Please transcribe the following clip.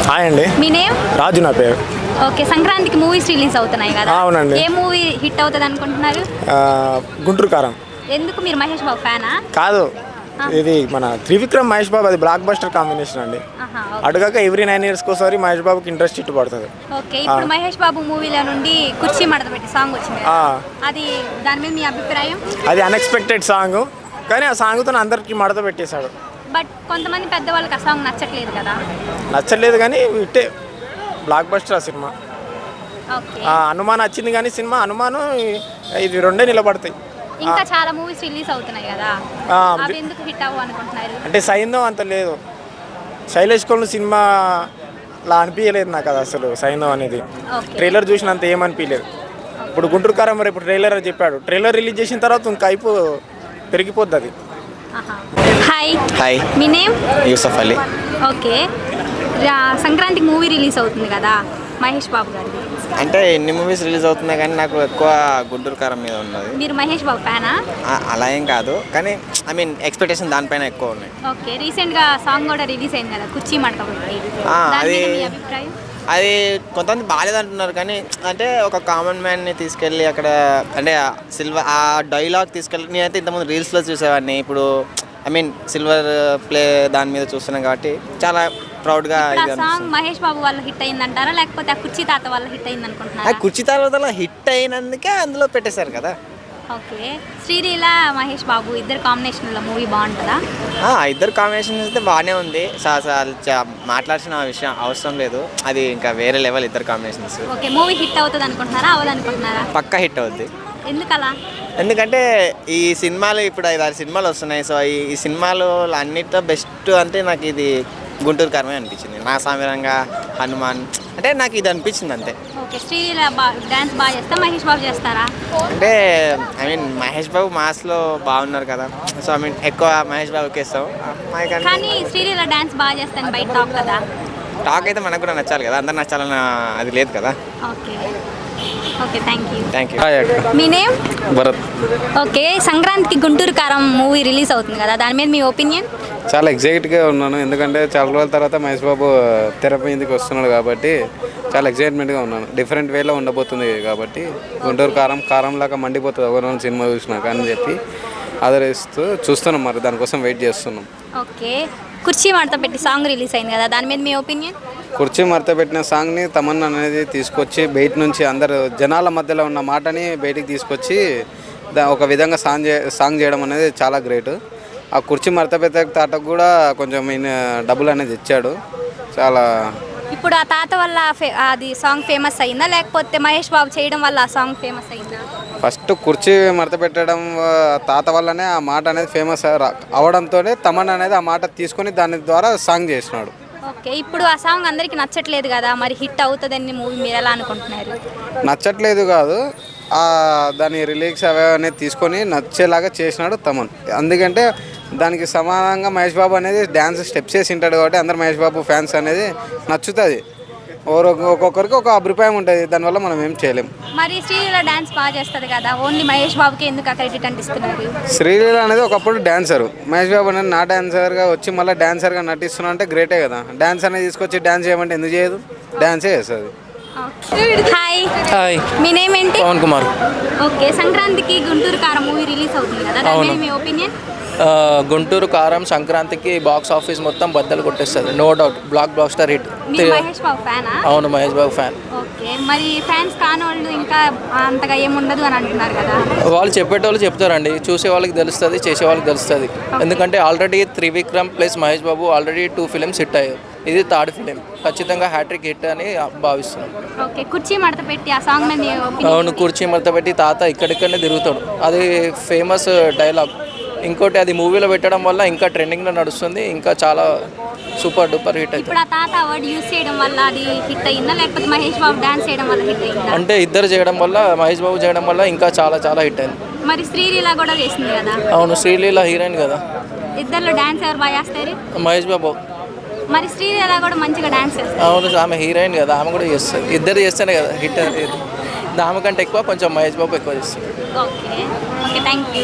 Hi అండి. మీ name? రాజు నా పేరు. ఓకే, సంక్రాంతికి మూవీస్ రిలీజ్ అవుతున్నాయి కదా? అవునండి. ఏ మూవీ హిట్ అవుతుంది అనుకుంటున్నారు? గుంటూరు కారం. ఎందుకు, మీరు మహేష్ బాబు ఫ్యానా? కాదు, ఇది మన త్రివిక్రమ్ మహేష్ బాబు, అది బ్లాక్ బస్టర్ కాంబినేషన్ అండి. అటుగాక ఎవ్రీ 9 years ఒకసారి మహేష్ బాబుకి ఇంట్రెస్ట్ ఇట్టు పడుతుంది. ఓకే, ఇప్పుడు మహేష్ బాబు మూవీలో నుండి కుర్చీ మడత పెట్టి సాంగ్ వచ్చింది కదా? అది దాని మీద మీ అభిప్రాయం? అది అన్ఎక్స్పెక్టెడ్ సాంగ్, కానీ ఆ సాంగ్తో అందరికి మడత పెట్టేశాడు. బట్ కొంతమంది పెద్దవాళ్ళకి ఆ సాంగ్ నచ్చట్లేదు కదా? నచ్చలేదు, కానీ ఇట్టే బ్లాక్ బస్టర్ ఆ సినిమా. ఓకే, హనుమాన్ వచ్చింది, కానీ సినిమా హనుమాను ఇది రెండే నిలబడతాయి. ఇంకా చాలా మూవీస్ రిలీజ్ అవుతున్నాయి కదా, అవి ఎందుకు హిట్ అవ్వు అనుకుంటున్నారు? అంటే సైంధవ్ అంత లేదు, శైలేష్ కోల్ సినిమా లా అనిపించలేదు నాకు అది అసలు. సైంధవ్ అనేది ట్రైలర్ చూసినంత ఏమనిపించలేదు. ఇప్పుడు గుంటూరు కారం మరి ఇప్పుడు ట్రైలర్ చెప్పాడు, ట్రైలర్ రిలీజ్ చేసిన తర్వాత ఇంకా కైపు పెరిగిపోద్ది అది. హాయ్. హాయ్, మీ నేమ్? యూసఫ్ అలీ. ఓకే, సంక్రాంతికి మూవీ రిలీజ్ అవుతుంది కదా మహేష్ బాబు గారిది. అంటే ఎన్ని మూవీస్ రిలీజ్ అవుతున్నాయి, కానీ నాకు ఎక్కువ గుంటూరు కారం మీద ఉన్నది. మీరు మహేష్ బాబు ఫ్యానా? అలా ఏం కాదు, కానీ ఐ మీన్ ఎక్స్పెక్టేషన్ దానిపైన ఎక్కువ ఉన్నాయి. ఓకే, రీసెంట్గా సాంగ్ కూడా రిలీజ్ అయింది కదా, కుర్చీ మడత పెట్టి. అది మీ అభిప్రాయం? అది కొంతమంది బాగాలేదంటున్నారు, కానీ అంటే ఒక కామన్ మ్యాన్ని తీసుకెళ్ళి అక్కడ అంటే సిల్వర్ ఆ డైలాగ్ తీసుకెళ్ళి, నేనైతే ఇంతకుముందు రీల్స్లో చూసేవాడిని, ఇప్పుడు ఐ మీన్ సిల్వర్ ప్లే దాని మీద చూస్తున్నాం కాబట్టి చాలా ప్రౌడ్గా. సాంగ్ మహేష్ బాబు వల్ల హిట్ అయిందంటారా, లేకపోతే ఆ కుర్చీ తాత వల్ల హిట్ అయింది అనుకుంటున్నారా? కుర్చీ తర్వాత హిట్ అయినందుకే అందులో పెట్టేశారు కదా. ఓకే, శ్రీలీల మహేష్ బాబు ఇద్దరు కాంబినేషన్లో మూవీ బాగుంటుందా? ఇద్దరు కాంబినేషన్ అయితే బాగానే ఉంది, మాట్లాడాల్సిన విషయం అవసరం లేదు, అది ఇంకా వేరే లెవెల్ ఇద్దరు కాంబినేషన్స్. ఓకే, మూవీ హిట్ అవుతుంది అనుకుంటున్నారా, అవ్వదు అనుకుంటున్నారా? పక్కా హిట్ అవుద్ది. ఎందుకలా? ఎందుకంటే ఈ సినిమాలు ఇప్పుడు 5-6 సినిమాలు వస్తున్నాయి, సో ఈ సినిమాలు అన్నిటితో బెస్ట్ అంటే నాకు ఇది గుంటూరు కారమే అనిపించింది. నా సామిరంగా హనుమాన్ అంటే నాకు ఇది అనిపించింది అంతే. ఓకే, శ్రీలీల డాన్స్ బాగా చేస్తా, మహేష్ బాబు చేస్తారా? అంటే ఐ మీన్ మహేష్ బాబు మాస్లో బాగున్నారు కదా, సో ఐ మీన్ ఎక్కువ మహేష్ బాబుకి ఇస్తాం. కానీ శ్రీలీల డాన్స్ బాగా చేస్తాను బయట టాక్ కదా. టాక్ అయితే మనకు కూడా నచ్చాలి కదా, అందరు నచ్చాలన్న అది లేదు కదా. Okay okay, thank you. Thank you. మీ నేమ్? భరత్. ఓకే, సంక్రాంతికి గుంటూరు కారం మూవీ రిలీజ్ అవుతుంది కదా, దాని మీద మీ ఒపీనియన్? చాలా ఎగ్జైట్గా ఉన్నాను, ఎందుకంటే చాలా రోజుల తర్వాత మహేష్ బాబు తెర మీదకి వస్తున్నాడు కాబట్టి చాలా ఎగ్జైట్మెంట్గా ఉన్నాను. డిఫరెంట్ వేలో ఉండబోతుంది కాబట్టి గుంటూరు కారంలాగా మండిపోతుంది ఎవరైనా సినిమా చూసినా కానీ చెప్పి ఆదరిస్తూ చూస్తున్నాం, మరి దానికోసం వెయిట్ చేస్తున్నాం. ఓకే, కుర్చీ మడత పెట్టి సాంగ్ రిలీజ్ అయింది కదా, దాని మీద మీ ఒపీనియన్? కుర్చీ మడత పెట్టిన సాంగ్ని తమన్నా అనేది తీసుకొచ్చి బయట నుంచి అందరు జనాల మధ్యలో ఉన్న మాటని బయటికి తీసుకొచ్చి ఒక విధంగా సాంగ్ చేయడం అనేది చాలా గ్రేట్. ఆ కుర్చీ మడత పెట్టే తాతకు కూడా కొంచెం డబ్బులు అనేది ఇచ్చాడు చాలా. ఇప్పుడు ఆ తాత వల్ల అది సాంగ్ ఫేమస్ అయిందా, లేకపోతే మహేష్ బాబు చేయడం వల్ల ఆ సాంగ్ ఫేమస్ అయిందా? ఫస్ట్ కుర్చీ మడత పెట్టడం తాత వల్లనే ఆ మాట అనేది ఫేమస్ అవడంతోనే తమన్ అనేది ఆ మాట తీసుకొని దాని ద్వారా సాంగ్ చేసినాడు. ఓకే, ఇప్పుడు ఆ సాంగ్ అందరికి నచ్చట్లేదు కదా, మరి హిట్ అవుతుందని మూవీ మీరు ఎలా అనుకుంటున్నారు? నచ్చట్లేదు కాదు, దాని రిలీక్స్ అవి అనేది తీసుకొని నచ్చేలాగా చేసినాడు తమన్. ఎందుకంటే దానికి సమానంగా మహేష్ బాబు అనేది డ్యాన్స్ స్టెప్స్ వేసి ఉంటాడు కాబట్టి అందరు మహేష్ బాబు ఫ్యాన్స్ అనేది నచ్చుతుంది. ఒక్కొక్కరికి ఒక అభిప్రాయం ఉంటుంది, దానివల్ల మనం ఏం చేయలేం. మరి శ్రీలీల డాన్స్ బాగా చేస్తుంది కదా, ఓన్లీ మహేష్ బాబుకి ఎందుకు క్రెడిట్ అంటిస్తున్నారు? శ్రీలీల అనేది ఒకప్పుడు డాన్సరు, మహేష్ బాబు అనేది నా డాన్సర్గా వచ్చి మళ్ళీ డాన్సర్గా నటిస్తున్నా అంటే గ్రేటే కదా. డాన్స్ అనేది తీసుకొచ్చి డాన్స్ చేయమంటే ఎందుకు చేయదు, డాన్సే చేస్తుంది. హాయ్. హాయ్, మీ నేమ్ ఏంటి? పవన్ కుమార్. ఓకే, సంక్రాంతికి గుంటూరు కారం మూవీ రిలీజ్ అవుతుంది కదా, దాని మీద మీ ఒపీనియన్? గుంటూరు కారం సంక్రాంతికి బాక్స్ ఆఫీస్ మొత్తం బద్దలు కొట్టేస్తుంది, no doubt. Block blaster hit. మీరు మహేష్ బాబు ఫ్యానా? అవును, మహేష్ బాబు ఫ్యాన్. ఓకే, మరి ఫ్యాన్స్ కానోళ్ళు ఇంకా అంతగా ఏముండదు అని అంటున్నారు కదా. వాళ్ళు చెప్పేటోళ్ళు చెప్తారండి, చూసే వాళ్ళకి తెలుస్తుంది, చేసే వాళ్ళకి తెలుస్తుంది. ఎందుకంటే already Trivikram plus Mahesh Babu already 2 films hit అయ్యాయి, ఇది 3rd ఫిలిం, ఖచ్చితంగా హ్యాట్రిక్ హిట్ అని భావిస్తున్నాం. ఓకే, కుర్చీ మడత పెట్టి ఆ సాంగ్ మీద మీ ఒపీనియన్? అవును, కుర్చీ మడత పెట్టి తాత ఇక్కడిక్కడనే తిరుగుతాడు, అది ఫేమస్ డైలాగ్. ఇంకోటి అది మూవీలో పెట్టడం వల్ల ఇంకా ట్రెండింగ్లో నడుస్తుంది, ఇంకా చాలా సూపర్ డూపర్ హిట్ అవుతుంది. ఇప్పుడు ఆ తాత వర్డ్ యూస్ చేయడం వల్ల అది హిట్ అయిందా, లేకపోతే మహేష్ బాబు డాన్స్ చేయడం వల్ల హిట్ అయిందా? అంటే ఇద్దరు చేయడం వల్ల, మహేష్ బాబు చేయడం వల్ల ఇంకా చాలా చాలా హిట్ అయింది. మరి శ్రీలీల కూడా చేసింది కదా. అవును, శ్రీలీల హీరోయిన్ కదా. ఇద్దరిలో డాన్స్ ఎవరు బాగా చేస్తారు? మహేష్ బాబు. మరి శ్రీలీల కూడా మంచిగా డాన్స్ చేస్తారు. అవును, ఆమె హీరోయిన్ కదా, ఆమె కూడా చేస్తుంది, ఇద్దరు చేస్తేనే కదా హిట్ అనేది. ఆమె కంటే ఎక్కువ కొంచెం మహేష్ బాబు ఎక్కువ చేస్తుంది. Okay okay, thank you.